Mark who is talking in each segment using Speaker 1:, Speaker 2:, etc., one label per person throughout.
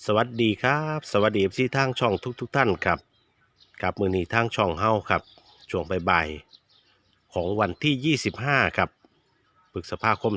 Speaker 1: สวัสดีครับสวัสดีที่ทางช่องทุกท่านครับกับมือนี้ทางช่องเฮาครับช่วงบ่ายๆของวันที่25ครับพฤษภาคม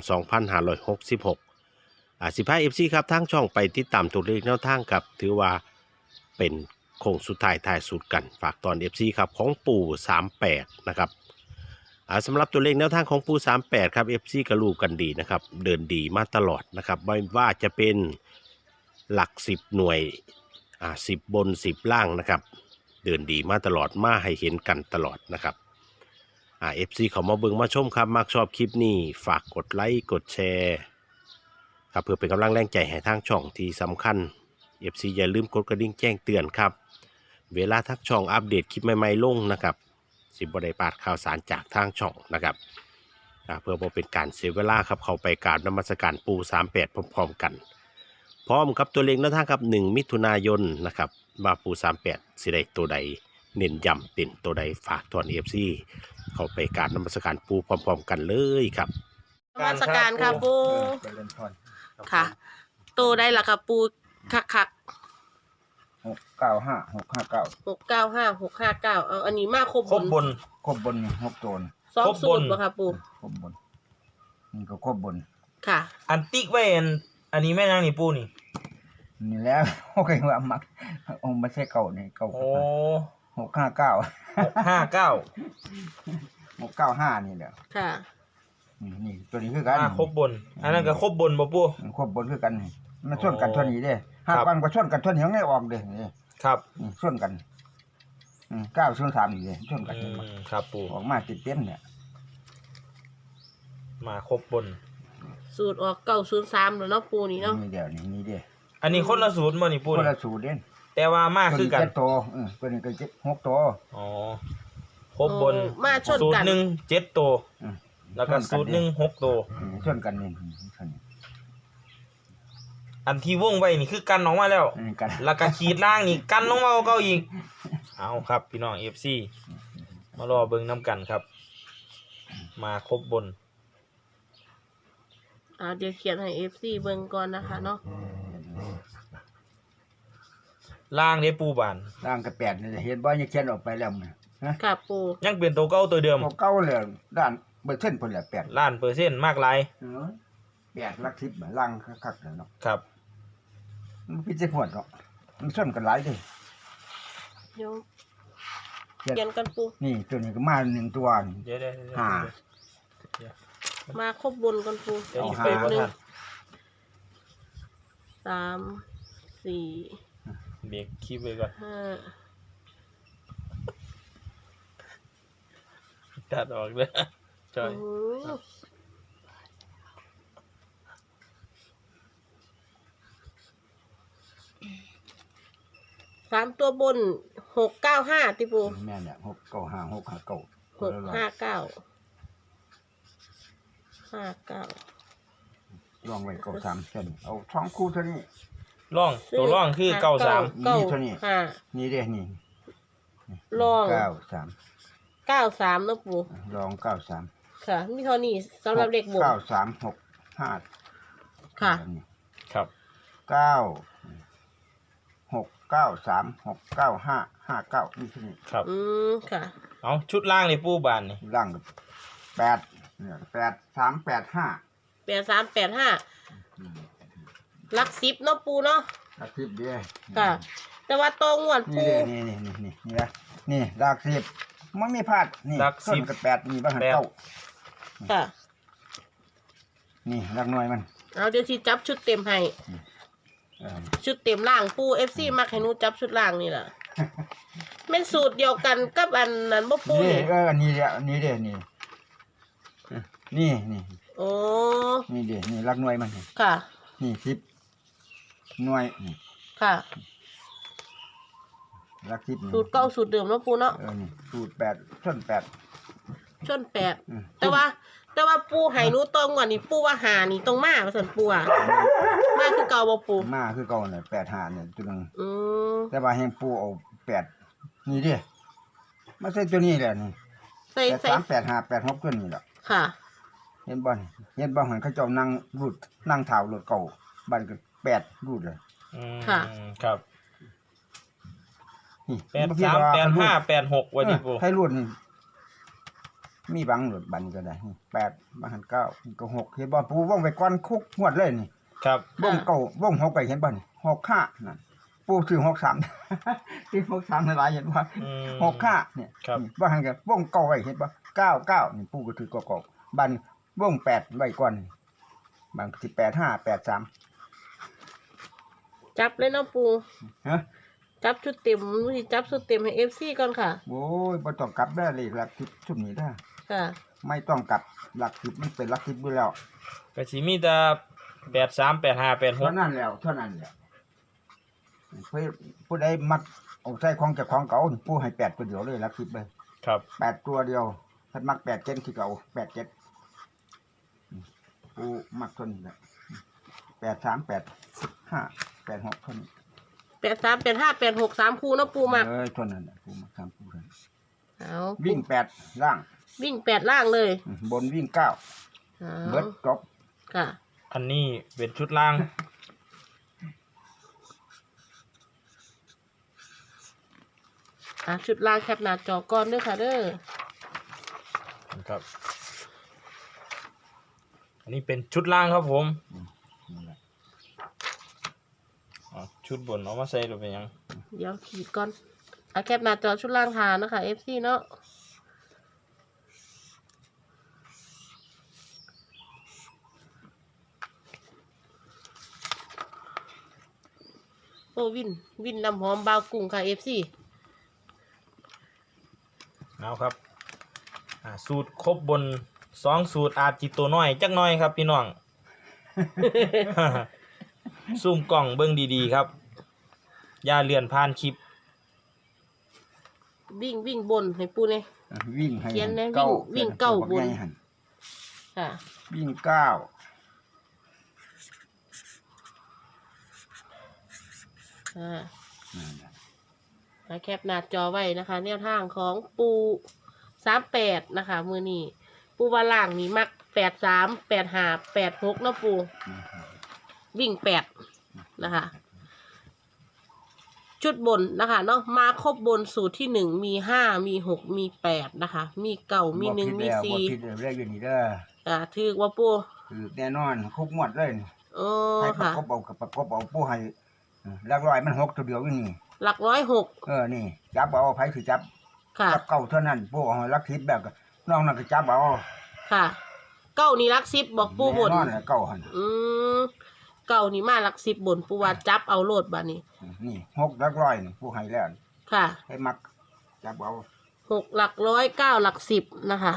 Speaker 1: 256615เอฟซีครับทางช่องไปติดตามตัวเลขแนวทางครับถือว่าเป็นโค้งสุดท้ายท้ายสุดกันฝากตอนเอฟซีครับของปู่38นะครับสำหรับตัวเลขแนวทางของปู่38ครับเอฟซีก็รู้กันดีนะครับเดินดีมาตลอดนะครับไม่ว่าจะเป็นหลัก10หน่วย10บน10ล่างนะครับเดินดีมาตลอดมาให้เห็นกันตลอดนะครับเอฟซีเขามาเบิ่งมาชมครับมักชอบคลิปนี้ฝากกดไลค์กดแชร์ครับเพื่อเป็นกำลังแรงใจให้ทางช่องที่สำคัญเอฟซีอย่าลืมกดกระดิ่งแจ้งเตือนครับเวลาทักช่องอัปเดตคลิปใหม่ๆลงนะครับสิบได้พลาดข่าวสารจากทางช่องนะครับเพื่อบ่เป็นการเสียเวลาครับเข้าไปกราบนมัสการปู่38พร้อมๆกันพร้อมครับตัวเลขแนวทางครับ1มิถุนายนนะครับว่าปู่38สิได้ตัวใดเน้นย้ำเป็นตัวใดฝากทอนเอฟซีเข้าไปกราบนมัสการปู่พร้อมๆกันเลยครับ
Speaker 2: นมัสการค่ะปู
Speaker 3: เจริญพร
Speaker 2: ค่ะโตได้ละค่ะปูคัก
Speaker 3: 695 659
Speaker 2: เอาอันนี้มาครบ
Speaker 3: ครบบน6ตัวนี่
Speaker 2: สองสูตรบ่ค่ะปู
Speaker 3: ครบบนนี่ก็ครบบน
Speaker 2: ค่ะ
Speaker 4: อันติ๊กไว้อันนี้แม่นางนี่ปูนี่
Speaker 3: นี่แล้วโอเคว่ามักองค์ไม่ใช่เก่านี่เก่า
Speaker 4: โอ้
Speaker 3: 659 695นี่แหละ
Speaker 2: ค่ะ
Speaker 3: นี่ตัวนี้คือกัน
Speaker 4: ครบบนอันนั้นก็ครบบนบ่ปู
Speaker 3: ครบบนคือกันนี่มันชนกันเท่านี้เด้
Speaker 4: ครั
Speaker 3: หา
Speaker 4: บ
Speaker 3: กันก็ชนกันเท่านี้ยังไม่ออกเด้นี่
Speaker 4: ครับ
Speaker 3: ชนกัน903นี่เด้ชนกัน
Speaker 4: ครับปู
Speaker 3: ออกมาติดเต็มเนี่ย
Speaker 4: มาครบบน
Speaker 2: สูตรออก903แล้วเนาะปูนี่เนาะ
Speaker 3: นี่เดียวนี่เด้
Speaker 4: อันนี้คนละสูตรบ่นี่ปู
Speaker 3: คน
Speaker 4: นี่
Speaker 3: ละสูตรเด้
Speaker 4: แต่ว่ามาคือกัน
Speaker 3: ตัวนี้7ตัวตัวนี้ก็6ตัว
Speaker 4: อ๋อครบบน
Speaker 2: มาชน
Speaker 4: สูต
Speaker 2: กั
Speaker 4: ร
Speaker 2: น
Speaker 4: หนึ่ง7ตัวแล้วก็สูตรหนึ่ง6ตัว
Speaker 3: ชนกันนี่ชน
Speaker 4: อันที่วงไว้นี่คือกันออกมาแล้ว
Speaker 3: กัน
Speaker 4: แล้วก็ขีดล่างนี่กันลงมาเก่าอีกเอาครับพี่น้อง FC มารอเบิ่งน้ำกันครับ มาครบบน
Speaker 2: เดี๋ยวเขียนให้ FC เบิ่งก่อนนะคะเนาะ
Speaker 4: ล่างได้ปูบาน
Speaker 3: ร่างกระแปดนี่เห็นบ่ยังเขียนออกไปแล้วมั้ยฮะ
Speaker 2: ค่ะปู
Speaker 4: ยังเป็นตัวเก่าตัวเดิม
Speaker 3: เก่าเลยด้านเปอร์เซ็นต์พุ่นแหละ8
Speaker 4: ล้านเปอร์เซ็นต์มากหลาย
Speaker 3: 8หลัก10บ่ล่างคักๆแล้วเนาะ
Speaker 4: ครับ
Speaker 3: มันพิจิตรหวดเนาะมันชนกันหลายเด้
Speaker 2: เดี๋ยวเขียนกันปู
Speaker 3: นี่ตัวนี้ก็มา1ตัวนี่
Speaker 4: เดี๋ยว
Speaker 3: ห้า
Speaker 2: มาครบบนกันปู
Speaker 4: เดี๋ยว
Speaker 3: เอา
Speaker 4: อีก
Speaker 3: หา
Speaker 4: ไปบ่ทัน
Speaker 2: 3 4
Speaker 4: เบรกคลิปไว้ก่อน
Speaker 2: 5
Speaker 4: ตัดออกเลยจอย
Speaker 2: โอ้โห3ตัวบน695ติปู
Speaker 3: แม่นเนี่ย695 659
Speaker 2: 659
Speaker 3: ลองไว้93เส้นเอา2คู่เท่านี้
Speaker 4: ร่องตัวร่องคือเก้าสาม
Speaker 3: นี่เท่านี้
Speaker 2: ห้า
Speaker 3: นี่เด้นี่
Speaker 2: ลอง
Speaker 3: 93
Speaker 2: 93นะปู
Speaker 3: ลอง93
Speaker 2: ค่ะมีเท่านี้สำหรับเด็กบวก
Speaker 3: 9365
Speaker 2: ค่ะ
Speaker 4: ครับ
Speaker 3: 693 695 นี่ที่นี่
Speaker 4: ครับ
Speaker 2: ค่ะ
Speaker 4: เอาชุดล่างนี่ปูบานนี่
Speaker 3: ล่าง8เนี่ย8385
Speaker 2: 8385ลัก10เนาะปูเนาะ
Speaker 3: ลักสิบเด้
Speaker 2: ค่ะ แต่ว่าตรงงวด
Speaker 3: นี่
Speaker 2: ปู
Speaker 3: เด้นี่นะนี่ลักสิบมันไม่พลาดนี่ส่วนกับ8นี่บ่หันเก้า
Speaker 2: ค่ะ
Speaker 3: นี่ลักหน่วยมัน
Speaker 2: เอาเดี๋ยวสิจับชุดเต็มให้
Speaker 3: เออ
Speaker 2: ชุดเต็มล่างปู FC มักให้หนูจับชุดล่างนี่ล่ะแม่นสูตรเดียวกันกับอันนั้นบ่ปู
Speaker 3: นี่
Speaker 2: นี่
Speaker 3: อันนี้เด้นี่เด้นี่นี่
Speaker 2: โอ้
Speaker 3: นี่เด้นี่ลักหน่วยมัน
Speaker 2: ค่ะ
Speaker 3: นี่10หน่วยนี่
Speaker 2: ค่ะ
Speaker 3: ลัก10นี่
Speaker 2: สูตรเก่าสูตรเดิมเนาะปูเนาะ
Speaker 3: นี่สูตร8ส่วน8
Speaker 2: ชน8แต่ว่าปูให้หนูตรงกว่านี่ปูว่าหานี่ตรงมาว่าซั่นปูอ่ะมาคือเก่าบ่ปู
Speaker 3: มาคือเก่าเนี่ย85เนี่ยตัวนึง
Speaker 2: อืม
Speaker 3: แต่ว่าแห่งปูเอา8นี่เด้มาใส่ตัวนี้แหละนี่
Speaker 2: ใส่
Speaker 3: 83 85 86ตัวนี้แหละ
Speaker 2: ค่ะ
Speaker 3: เห็นบ่หันเขาเจ้านั่งรูดนั่งเท้ารถเก่าบ้านก็8รูดเลย
Speaker 2: อค่ะ
Speaker 4: ครับ
Speaker 3: นี่
Speaker 4: 83 85 86ว่าดิปู
Speaker 3: ให้รุ่นนี่มีบังหลุดบันก็ได้นี่8บังหัน9นี่ก็6เห็นบ่ปูวงไปก่อนคุกงวดเลยนี่
Speaker 4: ครับ
Speaker 3: วงเก่าวง6ไปเห็นบ่นี่65นั่นปูซื้อ63ซื้อ63หลายเห็นบ่
Speaker 4: อืม
Speaker 3: 65เนี่ย
Speaker 4: ครับ
Speaker 3: นี่บ่หันก็วงเก่าไว้เห็นบ่99นี่ปูก็ถือเก่าๆบันวง8ไว้ก่อนนี่บางสิ85 83
Speaker 2: จับเลยเนาะปู
Speaker 3: ฮะ
Speaker 2: จับชุดเต็มนี่จับชุดเต็มให้ FC ก่อนค่ะ
Speaker 3: โอ้ยบ่ต้องกลับได้เลยหลักสิบชุดนี้ได้
Speaker 2: ค่ะ
Speaker 3: ไม่ต้องกลับหลักสิบมันเป็นหลักสิบอยู่แล้ว
Speaker 4: ก็สิมีแต่83 85
Speaker 3: เท่านั้นแล้วผู้ใดมักเอาใส่ของเจ้าของเก่าผู้ให้8ตัวเดียวเลยหลักสิบเลย
Speaker 4: 86ครับ
Speaker 3: 8ตัวเดียวถ้ามัก8 7คือเก่า8 7ผู้มักตัวนี้แหละ8 3 8 5 8 6เท่านี้
Speaker 2: 83 85 86 3คู่เนาะปูมัก
Speaker 3: เท่านั้นแหละผู้มัก3ผู้เท่านั้น
Speaker 2: เอา
Speaker 3: วิ่ง8ล่าง
Speaker 2: วิ่ง8ล่างเลย
Speaker 3: บนวิ่ง9
Speaker 2: เอา
Speaker 3: เบิดจบ
Speaker 2: ค่ะ
Speaker 4: อันนี้เป็นชุดล่าง
Speaker 2: ชุดล่างแคปหน้าจอก่อนเด้อค่ะเด้อ
Speaker 4: ครับ อันนี้เป็นชุดล่างครับผม
Speaker 3: นี่แหละ
Speaker 4: ชุดบนเอามาใส่หรือเป็นหยัง
Speaker 2: เดี๋ยวขีดก่อนแคปหน้าจอชุดล่างทานนะคะ FC เนาะโอ้วินน้ำหอมบาวกุ้งค่ะ FC
Speaker 4: เอาครับสูตรครบบน2สูตรอาจจิตัวน้อยจักหน้อยครับพี่น้อง ซูมกล่องเบิ่งดีๆครับอย่าเลื่อนผ่านคลิป
Speaker 2: วิ่งบนให้ปูเนี่ย
Speaker 3: วิ่งให้
Speaker 2: เขียนนะ
Speaker 3: เก้า
Speaker 2: วิ่งเก้าบน
Speaker 3: ให้หั่น
Speaker 2: ค่ะ
Speaker 3: วิ่ง9
Speaker 2: แคปหน้าจอไว้นะคะแนวทางของปู38นะคะมือนี้ปูว่าล่างนี่มัก83 85 86เนาะปูวิ่ง8นะคะชุดบนนะคะเนาะมาครบบนสูตรที่1มี5มี6มี8นะคะมี9มี1มี4
Speaker 3: บ่ผิดแล้วเรียกอยู่นี่เด้อ
Speaker 2: ถือว่าปู
Speaker 3: คือแน่นอนคุกงวดเลยนี่
Speaker 2: โอ้
Speaker 3: ให้ประ
Speaker 2: ค่ะ
Speaker 3: กบเอากับประกบเอาผู้ให้หลักร้อยมัน6ตัวเดียวอยู่นี่
Speaker 2: หลัก106
Speaker 3: นี่จับเอาไผสิจับ
Speaker 2: ค่ะ
Speaker 3: จับเก่าเท่านั้นผู้เอาหลัก10แบบก็น้องนั่นก็จับเอา
Speaker 2: ค่ะเก้านี่หลัก10บอกปูบน
Speaker 3: แน่นอนแหละเก่าหั่น
Speaker 2: เก้านี่มาหลัก10บนปูว่าจับเอาโลดบัดนี้
Speaker 3: นี่6หลักร้อยนี่ผู้ให้แล้ว
Speaker 2: ค่ะ
Speaker 3: ให้มักจับเอา
Speaker 2: 6หลักร้อย9หลัก10นะคะ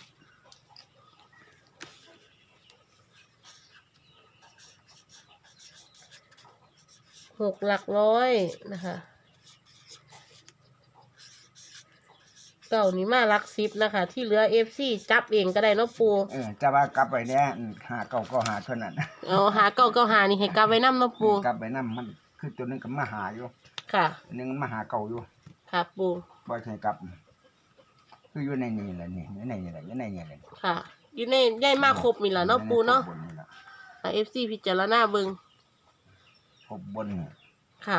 Speaker 2: 6หลักร้อยนะคะเก้านี่มาหลัก10นะคะที่เหลือ FC จับเองก็ได้เนาะปู
Speaker 3: จะว่ากลับไปแน่หาเก่าก็หาเท่านั้น
Speaker 2: หาเก้าก็หานี่ให้กลับไว้นำเนาะปู
Speaker 3: กลับไปนำมันคือตัวนึงก็มาหาอยู่
Speaker 2: ค่ะ
Speaker 3: อันนึงมันมาหาเก่าอยู่
Speaker 2: ค่ะปู
Speaker 3: บ่ใช่กลับ คืออยู่ในนี่แหละนี่อยู่ในนี่แหละอยู่ในนี่แหละ
Speaker 2: ค่ะ อยู่ในได้มาครบมีละเนาะปูเนาะ
Speaker 3: ครบบนี่ล่ะ
Speaker 2: FC พิจารณาเบิ่ง
Speaker 3: ครบบนนี่
Speaker 2: ค่ะ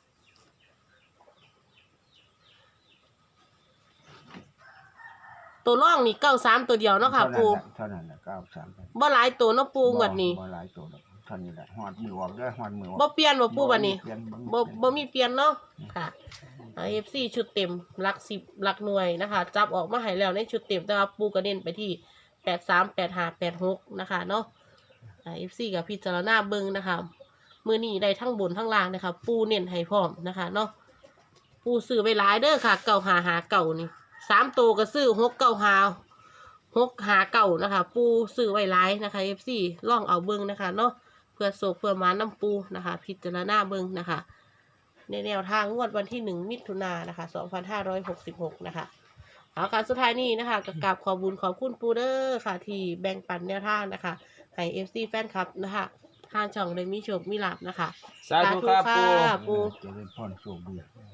Speaker 2: ตัวร่องนี่93ตัวเดียวเนาะค่ะปู
Speaker 3: เท่านั้นแหละ93
Speaker 2: บ่หลายตัวเนาะปูงวดนี้
Speaker 3: บ่หลายตัวดอกเท่านี้แหละฮอดมือออกเด้อฮอดมือออก
Speaker 2: บ่เปลี่ยนบ่ปูบัดนี้
Speaker 3: เปลี่ยน
Speaker 2: บ่มีเปลี่ยนเนาะค่ะ FC ชุดเต็มหลัก10หลักหน่วยนะคะ จับออกมาให้แล้วในชุดเต็มแต่ว่าปูก็เน้นไปที่83 85 86นะคะเนาะFC กับพิจารณาเบิ่งนะคะมื้อนี้ได้ทั้งบนทั้งล่างนะคะปูเน้นให้พร้อมนะคะเนาะปูซื้อไว้หลายเด้อค่ะ9559นี่3ตัวก็ซื้อ695นะคะ ปูซื้อไว้หลายนะคะ FC ลองเอาเบิ่งนะคะเนาะเพื่อโศกเพื่อหมาน้ำปูนะคะ พิจารณาเบิ่งนะคะ ในแนวทางงวดวันที่1มิถุนายนนะคะ2566นะคะเอาค่ะสุดท้ายนี้นะคะกราบขอบคุญขอบคุณปูเดอร์ค่ะที่แบ่งปันแนวทางนะคะให้ FC แฟนคลับนะคะทางช่องได้มีโชคมีลาภนะคะ
Speaker 4: สาธุครับปู
Speaker 2: ปู
Speaker 3: เจริญพรโชคดี